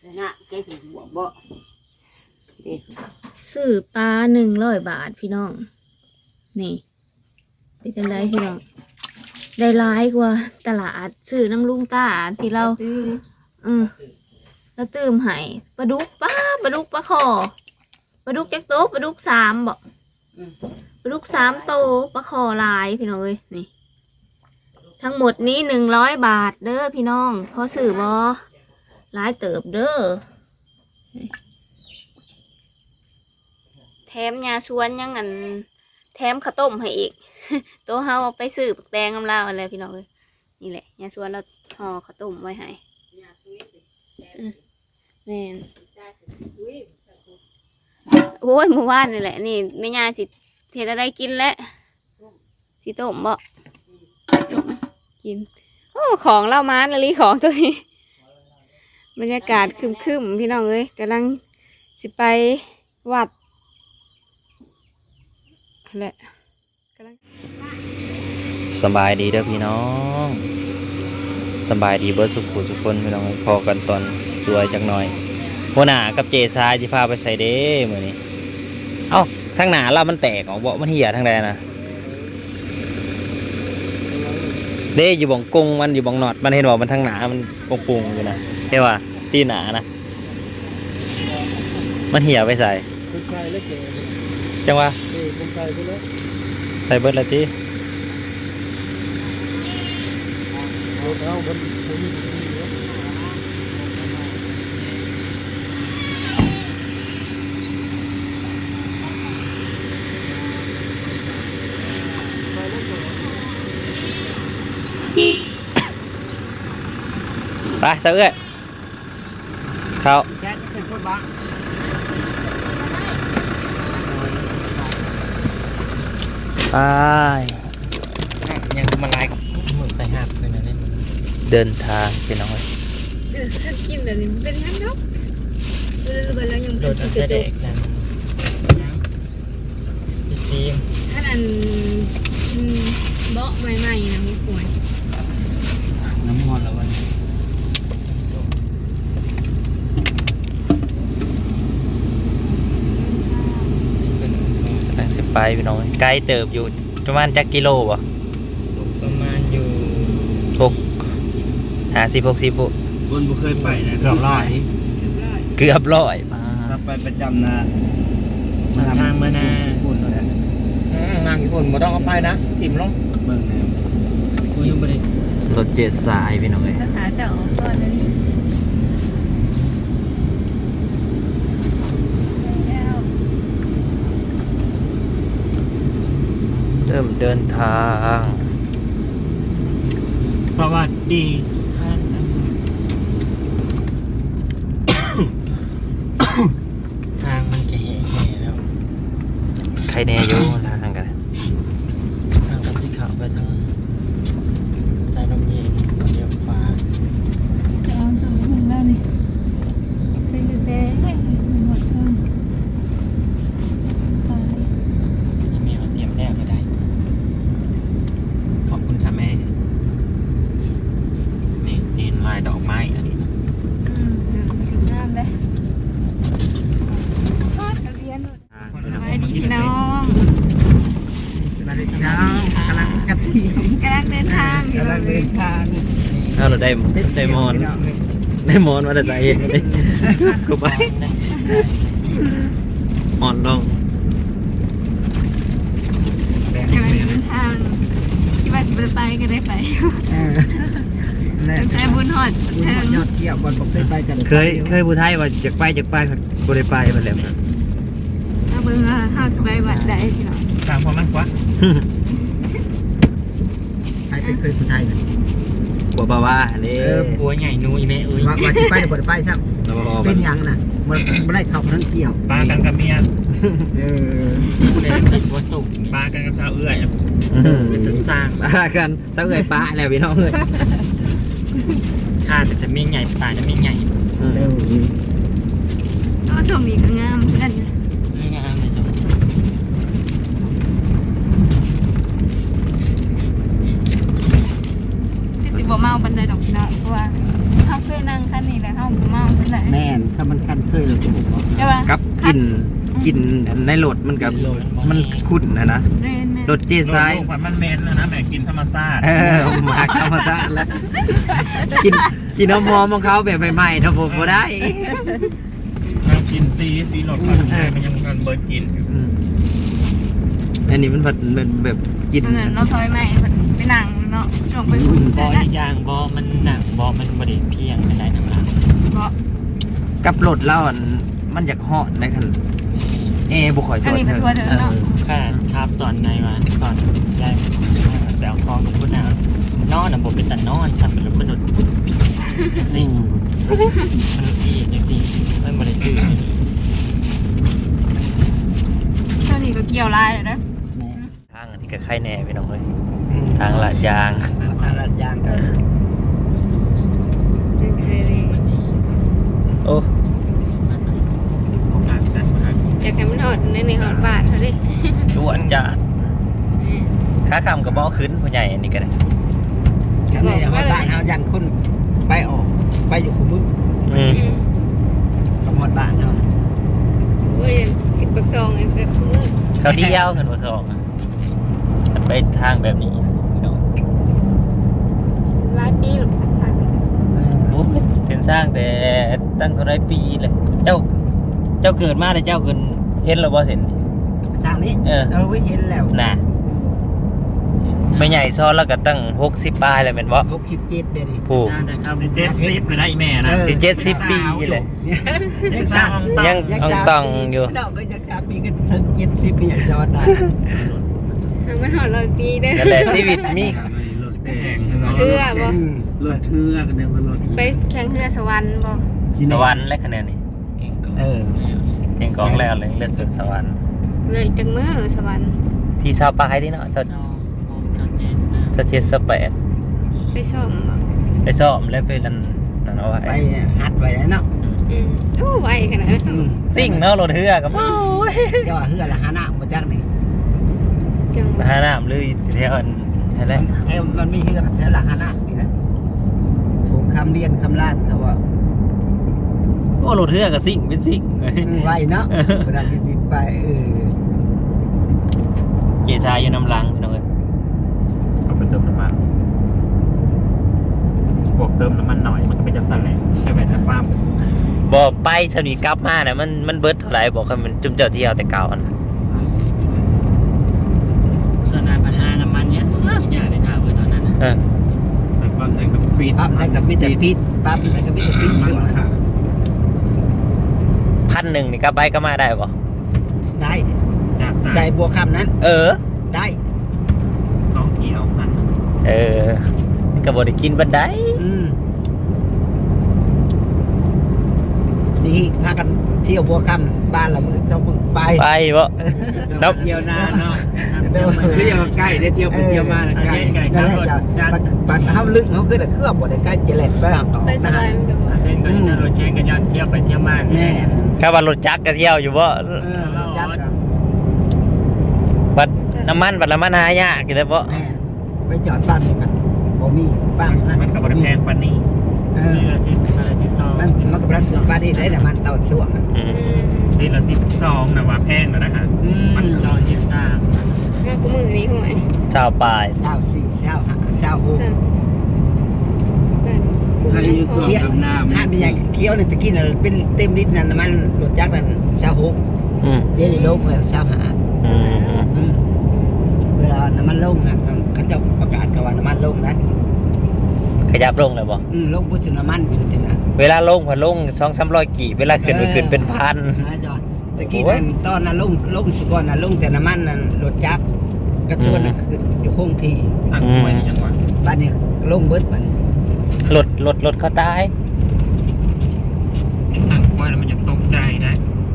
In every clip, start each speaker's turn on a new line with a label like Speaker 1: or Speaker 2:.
Speaker 1: นะแกสิบวกบ่
Speaker 2: ซื้อปลา100 บาทพี่น้องนี่เป็นจังไดพี่น้องได้หลายกว่าตลาดซื้อน้ำลุงตาที่เราแล้วตื่มให้ปลาดุกปลาคอปลาดุกจักโตปลาดุก3บ่ปลาดุก3โตปลาคอหลายพี่น้องเอ้ยนี่ทั้งหมดนี้100 บาทเด้อพี่น้องพอซื้อบ่หลายเติบเด้อแถมยาชวนยังอันแถมข้าวต้มให้อีก ตัวเฮาเอาไปซื้อปักแดงน้ำลาวอะไรพี่น้องเลยนี่แหละยาชวนเราห่อข้าวต้มไว้ให้แม่นโอ้ยเมื่อวานนี่แหละนี่แม่ยาสิเทอะไรกินแล้วสิต้มบ่กินโอ้ของเล่ามานาลีของตัวนี้บรรยากาศครึมๆพี่น้องเอ้ยกำลังสิไปวัดแหละ
Speaker 3: สบายดีเด้อพี่น้องสบายดีเบิร์ดสุขุสุขคนพี่น้องพอกันตอนสวยจังหน่อยหัวหน้ากับเจซายจะพาไปใส่เด้มื้อนี้เอ้าทางหน้าเรามันแตกออกบ่มันเหี่ยทางใดนะเด้อยู่บ่งกงมันอยู่บ่งหนอดมันเห็นว่ามันทางหน้ามันปุงๆอยู่นะเห็นว่าที่หน้านะมันเหี่ยไปใส่จังว่าใส่เบิร์ดละทีไปเสือเข้าไปยังมาไล่มือใส่หักเลยนะเนี่ยเดินทางไปน้อย
Speaker 2: กินแบบนี้เป็นยังเนาะแล้วยัง
Speaker 3: โดนอันเด็กนั่นทีม
Speaker 2: ถ้านั่นเบาะใหม่ๆนะมุกป่วย
Speaker 3: น้ำมันแล้ววันนั่งสิไปพี่น้องไกลเติบอยู่ประมาณจักกิโลป่ะประมาณอยู่50-60ปุ๊บ
Speaker 1: นบ่เคยไปนะ
Speaker 3: เกือบร้อย
Speaker 1: มาไปประจำนะ
Speaker 3: มาทางมานา
Speaker 1: ฝุ่นนั่นแหละ
Speaker 3: งานญี่ปุ่นบ่ต้องเอาไปนะถิ่มลง
Speaker 1: เบิ่งแนวกูยังบ่ได้
Speaker 3: รถเจ็ดสายพี่น้องเอ้ย
Speaker 2: ภาษาจะออกก่อนนะนี่
Speaker 3: เริ่มเดินทางสวัสดีท่านทางมันจะแห่แล้วใครแน่อยู่ทางกันทางกันสีขาวไปทางสายลมเย็นเลี้ยวขวา
Speaker 2: จะเอาตัวหุ่นแล้วนี่เป็นแดงหมดเลย
Speaker 3: ยังมีมาเตรียมแน่ก็ได้ขอบคุณค่ะแม่นี่ลายดอกไม้อันนี้นะ
Speaker 2: ถึงงามเลยทอดกระเทียมไปดีพี่น้อง
Speaker 1: สวัสดีพี่น้องกำลังเดินทาง
Speaker 3: เราได้มอนมาแต่ใจเย็นเลยกูไปมอนลง
Speaker 2: กำลังเดินทางที่ว่าจะไปก็ได้ไปใช้บุญหอด
Speaker 1: ยอดเกี่ยวบอลผมเคยไปกัน
Speaker 3: เคยผู้ไทยว่าจากไปกูได้ไปมาแล้ว
Speaker 2: ถ้าเบิ่งข้าวสบายวัดได้พี่น้อง
Speaker 3: ตามความมั่นคง
Speaker 1: ใครเคยผู้ไทยนะ
Speaker 3: บัวบาวาเนี่ยบัวใหญ่นูอีแม่เอ้ย
Speaker 1: ว่าที่ไปบ่ได้ไปซ้ำเป็นยังน่ะมันได้เข้าทั้งเกี่ยว
Speaker 3: ปลากันกับเมียเลยติดบัวสุกปลากันกับสาวเอื้อยเป็นจะสร้างปลากันสาวเอื้อยปลาแล้วพี่น้องเลยข้าแต่จะไม่ใหญ่ปลาจะไม่ใหญ่
Speaker 2: ก็ชมอีกงามกัน
Speaker 3: งามเลยชม
Speaker 2: สิบ่เมาบันไดดอกนะเพราะว่าเขาเคยนั่งคันนี้แหละเฮาบ่เมาเป็นไร
Speaker 1: แม่นถ้ามันคันเคยเลย
Speaker 2: ใช่ป่ะ
Speaker 3: กับกินในรถมันกับมันคุ้นนะรถเจ๊ทราย
Speaker 4: ลูกมันเมนแล้วนะแม่กินธรรมชาติ
Speaker 3: หมักธรรมชาติแล้วกินน้ำหอมของเขาแบบใหม่ๆถ้าผมบ่ได้
Speaker 4: กินซีรสผัดไทยมันยังกันเบิร์ดกินอยู่
Speaker 3: อันนี้มันแบบกิน
Speaker 2: นั่นเราซอยใหม่ไปนั่งเนาะช่วงไปอุ่น
Speaker 5: บออีกอย่างบอมันหนังบอมันบริเพียงเป็นไรน้ำลาย
Speaker 2: บ่
Speaker 3: กับรถเราอันมันอยากเหาะในคันบุคอย
Speaker 2: อันนี้เป็นตัวเธอเนาะ
Speaker 5: ค่ะครับตอนไหนมาตอนยายแต่เอาคองกับคุณนะนอนอ่ะผมเป็นแต่นอนสั่นเป็นมนุษย์สิ่งมันอีกอย่างจริงมันบริสุทธิ์
Speaker 2: เท่านี้ก็เกี่ยวลายเลยนะ
Speaker 3: ทางอันนี้ก็ไข่แน่พี่น้องเลยทางลาดยาง
Speaker 1: ทางลาดยางกัน
Speaker 2: เคยดี
Speaker 3: โอ้
Speaker 4: ของงานแซ่บมาก
Speaker 2: อยากให้มันหอดในหอดบาทเขาดิ
Speaker 3: ด่วนจัดขาคำกับบ่อขึ้นผู้ใหญ่อันนี้ก็ได้
Speaker 1: กันนี่ว่าบ้านเฮายันคนไปออกไปอยู่คู่มือกับหมดบ้านเฮา
Speaker 2: โอ้ยคิดปักซองไอ้เกิดมือ
Speaker 3: เขาเดียวกันว่าสองมันไปทางแบบนี้พี่น้อง
Speaker 2: หลายปีหรอกทางนี้
Speaker 3: โอ้เห็นสร้างแต่ตั้งเท่าไรปีเลยเจ้าเกิดมาแต่เจ้าเกินเห็นหรือบ่เห็น
Speaker 1: ทางนี้ไว้เห็นแล้ว
Speaker 3: น่ะไม่ใหญ่ซ้อนแล้วก็ตั้ง60 ปลายเลยเป็นบ่
Speaker 1: 67เด้ดิ
Speaker 3: ผูก
Speaker 4: 70เลยนะอีแม่นะ
Speaker 3: 70 ปีเลย
Speaker 4: ยังสร้าง
Speaker 3: ยังต้องอยู่
Speaker 1: ดอกก็ยัง3ปีก็ถึง70ปีจอดได้
Speaker 2: มันหอด100 ปีเด้อ
Speaker 3: นั่นแหละชีวิตมี
Speaker 2: เรือบ่
Speaker 1: รถเทือกกันเด้อว่ารถ
Speaker 2: ไปแข่งเรือสวรรค์บ่
Speaker 3: สวรรค์และคะแนนนี่
Speaker 5: เก่งก่อน
Speaker 3: เพียงกองแล้วเลยเลือดสุดสวรรค์
Speaker 2: เรืออีกจังมือสวรรค์
Speaker 3: ที่ชาวปลายที่เนาะสเปด
Speaker 2: ไปซ่อมบ่
Speaker 3: ไปซ้อมแล้วไปนั่นเอาไว้
Speaker 1: ไปหัดไว้แล้วเนาะ
Speaker 2: โอ้ไวขนาดนั้น
Speaker 3: สิ่งเนาะรถเรือกับ
Speaker 1: เจ้าว่าเฮือละหาน้ำบ่จักนี่
Speaker 2: จัง
Speaker 3: หาน้ำเลยแถวนั่นแหละ
Speaker 1: แถวมันมีเฮือแถวละหาน้ำนี่นะถูกคำเรียนคำลาดเขาว่า
Speaker 3: โอ้รถเรือกับสิ่งเป็นสิ่ง
Speaker 1: ไว้เนาะเวลาดิบไป
Speaker 3: เกชายอยู่น้ำลังพี่น้องเอ้ย
Speaker 4: เอาไปเติมน้ำมันบวกเติมน้ำมันหน่อยมันก็เป็นจังสั่นแหละใช่ไหมจะป้าม
Speaker 3: บอกไปเท่านี้กลับมาเนี่ยมันเบิดเท่าไหร่บอกให้มันจุ่มเจ้าเที่ยวแต่เก่าอัน
Speaker 5: สนามปัญหาน้ำมันเนี่ยอย่าได้ถามไว้ตอนนั้น
Speaker 4: แต่ความแรงกับปีด
Speaker 1: ปั๊บได้กับมิแต่ปิดปั๊บได้กับมิแต่ปิดช่วง
Speaker 3: 1,000นี่กลับไปก็มาได้บ่
Speaker 1: ได้
Speaker 4: จาก
Speaker 1: ใส่บัวคำนั้น ได้
Speaker 4: 2 เที่ยวพัน
Speaker 3: ก็บ่ได้กินบันได
Speaker 1: นี่พากันเที่ยวบัวคำบ้านละมือเจ้ามือไป
Speaker 3: ไปบ่
Speaker 4: เที่ยวนานเนาะคือยังใกล้ได้เที่ยวไปเที่ยวมาใกล้
Speaker 1: นั่นแหละจ้ะปัดห้ามลึกเขาคือแต่เครื่องบ่ได้ใกล้เจริญไปหักต่อ
Speaker 2: ไปสบายมันก็บ่
Speaker 5: เส้นก็จะรถแข่งกันยันเที่ยวไปเที่ยวมา
Speaker 1: แม่
Speaker 3: ข้าว่ารถจักรก็เที่ยวอยู่บ่
Speaker 1: จัด
Speaker 3: บัดน้ำมันบัดละมันหายากกินได้บ่
Speaker 1: แม่ไปจอดบ้านกันบ่มีบ้านนั้น
Speaker 4: มันกับบริแพงปานนี้
Speaker 5: นี่ละ12
Speaker 1: มันก็รักบ้านนี้ได้แต่มันเต่าช่วง
Speaker 4: นี่ละ12นะว่าแพงแล้วนะฮะ
Speaker 5: มันจอยิบซ่า
Speaker 2: มากูมือนี้ห่วย
Speaker 3: ชาวปลาย
Speaker 1: เช้าสี่เช้าห้าเช้าหก
Speaker 2: สั่งนั่น
Speaker 1: ใครอยู่ส่วนดำน้ำห้าเป็นใหญ่เคี้ยวเนี่ยตะกี้น่ะเป็นเต็มลิตรนั่นมันรถจักรนั่นเช้าหก เดี๋ยวนี้ลงแล้วเช้าหาเวลาน้ำมันลงนะเขาจะประกาศกันว่าน้ำมันลงนะ
Speaker 3: ขยับลงเลยบ่
Speaker 1: ลงพูดถึงน้ำมันสุดเลยนะ
Speaker 3: เวลาลงผ่นลง200-300กี่เวลาขึ้นไปขึ้นเป็นพัน
Speaker 1: จอดตะกี้นั่นตอนนั้นลงสุกรนะลงแต่น้ำมันนั่นรถจักรกระชวนนั่นคืออยู่คงที่
Speaker 4: ตั้งไว้จังหวะ
Speaker 1: บ้านนี้ลงเบิดบ้าน
Speaker 3: รถเขาตาย
Speaker 4: ตั้งไว้แล้วมันจะตกใจนะ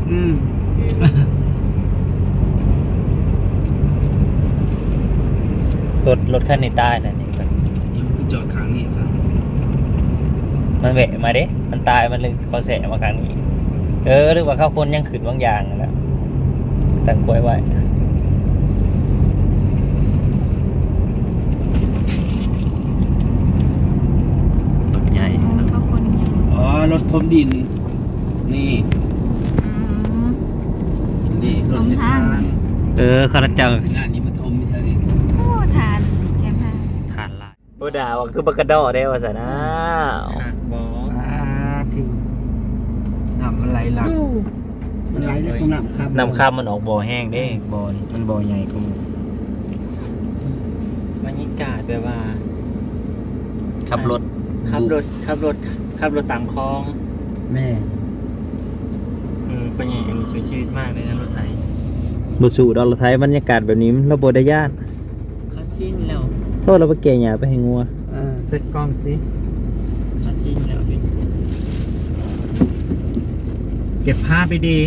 Speaker 3: รถคันนี้ตายนั่นนี่
Speaker 4: จอดค้างนี่ซะ
Speaker 3: มันแหวะมาเด้มันตายมันเลยคอแสะมาครั้งนี้หรือว่าเข้าคนยังขึ้นบางอย่างนั่นแหละตั้งกล้วยไว้ใหญ่
Speaker 2: ก็คนยัง
Speaker 4: ารถทมดิน นี่
Speaker 2: อืม
Speaker 4: นี่รถ
Speaker 2: ตรงทาง
Speaker 3: ข้าราชการ
Speaker 4: หน้านี้มันทมไม่ใช่ดิ
Speaker 2: โอ้ทานแคมทาน
Speaker 3: ทานลายโบด่าว่าคือบักกระดอได้ว่าซะนะ
Speaker 5: ขาดบอ
Speaker 1: ที่
Speaker 4: น้ำมันไหลหลัง
Speaker 1: มันไหลได้ตรงน้ำครับ
Speaker 3: น้ำข้ามมันออกบ่อแห้งเด้บ่อนี่มันบ่อใหญ่กว่าหมู่
Speaker 5: บรรยากาศแบบว่า
Speaker 3: ขับรถ
Speaker 5: ขับรถตามคลอง
Speaker 1: แม่
Speaker 5: เป็นอย่างนี้ชีวิตมากเลยนะรถไถ
Speaker 3: บ่สู่ดอกรถไทยบรรยากาศแบบนี้เราบ่ได้ย่าน
Speaker 5: เขาชินแล้ว
Speaker 3: โทษเราไปแก่หญ้าไปให้งัว
Speaker 4: เซ็ตกล้องสิ
Speaker 5: เขาชินแล้ว
Speaker 4: เก็บภาพไปดี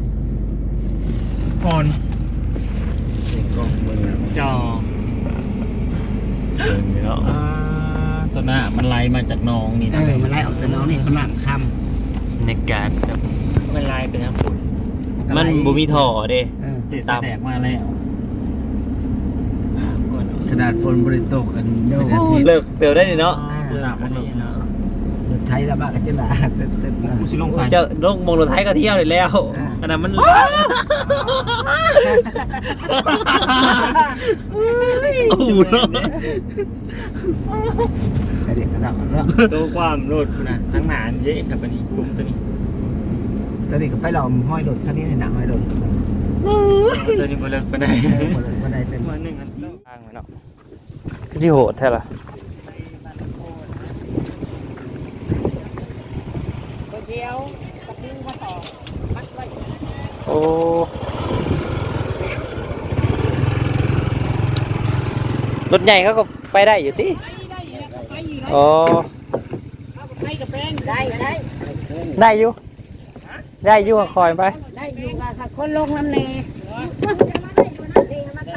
Speaker 4: ก่อน
Speaker 3: เสียงกล้องมือ
Speaker 5: จอ
Speaker 3: เนาะ
Speaker 5: ตัวหน้ามันไหลมาจากหนองนี่นะ
Speaker 1: มันไหลออกแต่น้องนี่ตรงน้ำค่
Speaker 3: บรรยากาศแบบ
Speaker 5: มันไหลไปทางฝุ่น
Speaker 1: ำ
Speaker 3: มันบ่มีท่อเด้
Speaker 5: เจ็ดแสดงมาแล้วก่อน
Speaker 4: ขนาดฝนบริตกกันเป็นอาทิตย์
Speaker 3: เลิกเตียวได้นี่เนาะ
Speaker 5: ตัวหน้ามันเลยนะ
Speaker 1: ไทยละบ้ากันจังหวะตึ๊ดๆมา
Speaker 5: กูสิลงใส่
Speaker 3: เจ้าลงมองรถไทยก็เที่ยวได้แล้วขนาดมันโอ้โหเนาะ
Speaker 1: ไอเด็กกระดับแล้ว
Speaker 5: ตัวความรถนะทั้งหนานเยอะครับอันนี้กลุ่มตัวนี้
Speaker 1: ตอนนี้ก็ไปหลอมห้อยโดดท่านี้ในหนังห้อยโดด
Speaker 5: ตัวนี้บ่เลิกไปได้
Speaker 1: วันใดเป็น
Speaker 5: วันหนึ่งอันที่
Speaker 3: ทางไว้เนาะคือสิโหดแท้ล่ะโอ้รถใหญ่เขาก็ไปได้อยู่ติอ๋อได้อยู่ได้อยู่ก็คอยไป
Speaker 6: ได้อยู่ค่ะคนลงน้ำเนนี่มาไต่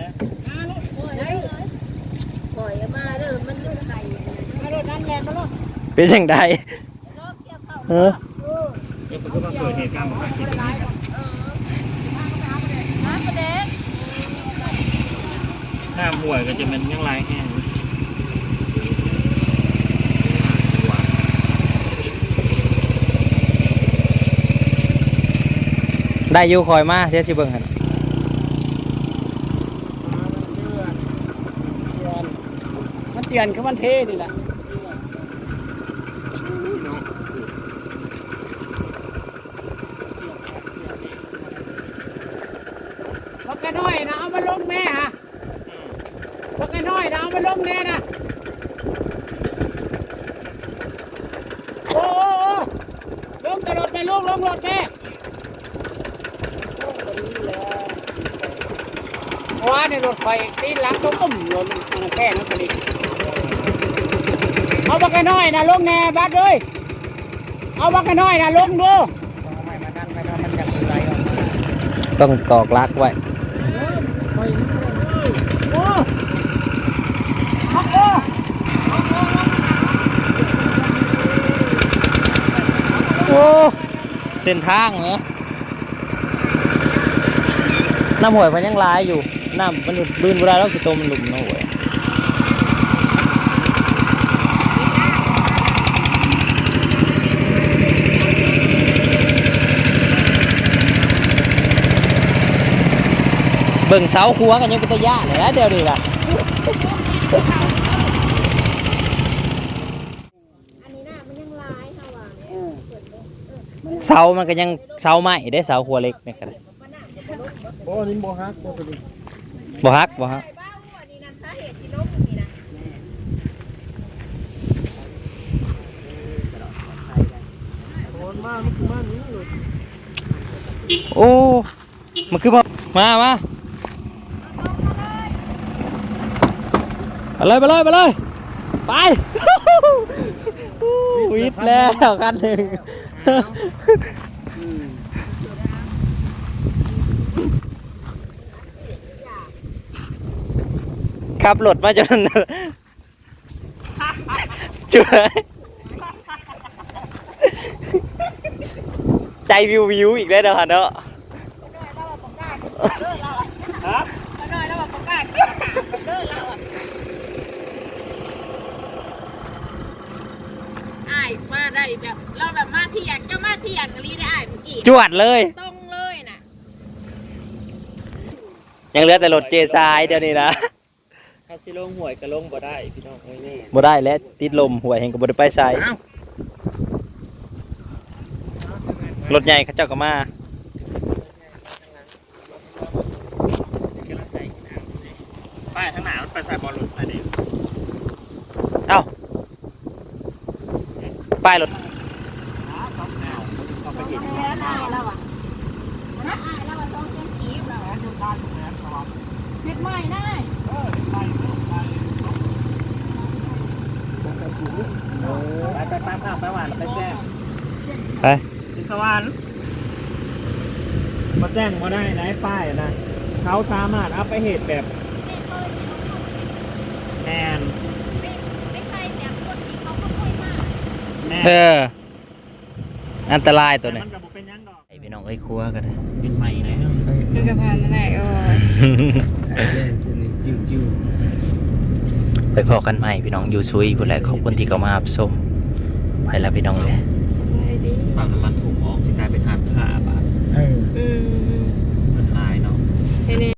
Speaker 6: ปล่อยมาเด้อมันอยู่ไต่มารถนั่นแหละมารถ
Speaker 3: เป็นจังไดเออ
Speaker 5: เดี๋ยวผมก็มาเกิดเหตุการณ์แบบนี้
Speaker 2: น้ำประเด็ก
Speaker 5: ถ้าห่วยก็จะเป็นยังไรแห้ง
Speaker 3: ได้อยู่คอยมาเดี๋ยวสิเบิ่งให้
Speaker 1: มันเตียนคือมันเทนี่แหละ
Speaker 6: พวกแกน้อยนะเอามาลงแม่ฮะพวกแกน้อยนะเอามาลงแม่นะโอ้ลงกระโดดไปลูกลงรถแม่ว่าในรถไฟตีหลังต้องอุ้มรถมันแค่นั้นพอดีเอาพวกแกน้อยนะลงแน่บัดเลยเอาพวกแกน้อยนะลงดู
Speaker 3: ต้องตอกลักไว้ โอ้เส้นทางเหรอน้ำหวยมันยังลายอยู่ น้ำมันบืนเวลาเราสิโตมันหลุมน้ำหวยเบิ่งเสาคัวกันยังเป็นตะยะเลยนะเดี๋ยวนี้ล่ะเสามันก็ยังเสาไม้ได้เสาคัวเล็กนี่กัน
Speaker 4: โอ้นี่บ่ฮักตัวนี้
Speaker 3: บ่ฮักบ่ฮักโอ้มันคือมาไปเลยไปเลยไปเลยไปวิทย์แล้วกันหนึ่งขับรถมาจนช่วยใจวิวอีกแล้วเนาะเนาะ
Speaker 6: อ้ายมาได้แบบเราแบบ
Speaker 2: เถียงเจ้ามาเถียงลีได้เมื่อกี้
Speaker 3: จวดเลย
Speaker 2: ตรงเลยน่ะ
Speaker 3: ยังเหลือแต่รถเจซายเดี๋ยวนี้นะ
Speaker 5: ถ้าสิลงหวยก็ลงบ่ได้พี่น้องเอ้ยนี่
Speaker 3: บ่ได้แล้วติดลมหวยแห่งก็บ่ได้ไปใส่รถใหญ่เขาเจ้าก็มา
Speaker 5: ป้ายทางหน้ามันไปใส่บอลลูนใส่เด็ก
Speaker 3: เอ้าป้ายรถ
Speaker 5: เอาไปเห็น
Speaker 2: แล้วได้แล้วอ่ะนะอายแล้วต้องเส้นกีบแล้วเม็ดใหม่ได้
Speaker 5: ไปตามข้าวไปหวานไปแจ้ง
Speaker 3: ไป
Speaker 5: ที่สวรรค์มาแจ้งมาได้ไหนป้ายนะเขาสามารถเอาไปเหตุแบบแมน
Speaker 2: ไม่ใช่เนี่ยคนที่เขาก็ค่อยมาก
Speaker 5: แมน
Speaker 3: เอออันตรายตัวนี้
Speaker 5: มันกับเป็นยังดอก
Speaker 3: ไอพี่น้องไอ้ครัวกันนะ
Speaker 5: เป็นใหม่เลย
Speaker 2: คือกระเพรานั่นแหละโอ้ย
Speaker 4: จิ้ว
Speaker 3: ไปพอกันใหม่พี่น้องอยู่ซุยพุ่นแหละขอบคุณที่เข้ามารับชมไปแล้วพี่น้องเลย
Speaker 2: สบายดี
Speaker 5: ฝั่งน้ำมันถูกออกสิกลายเป็น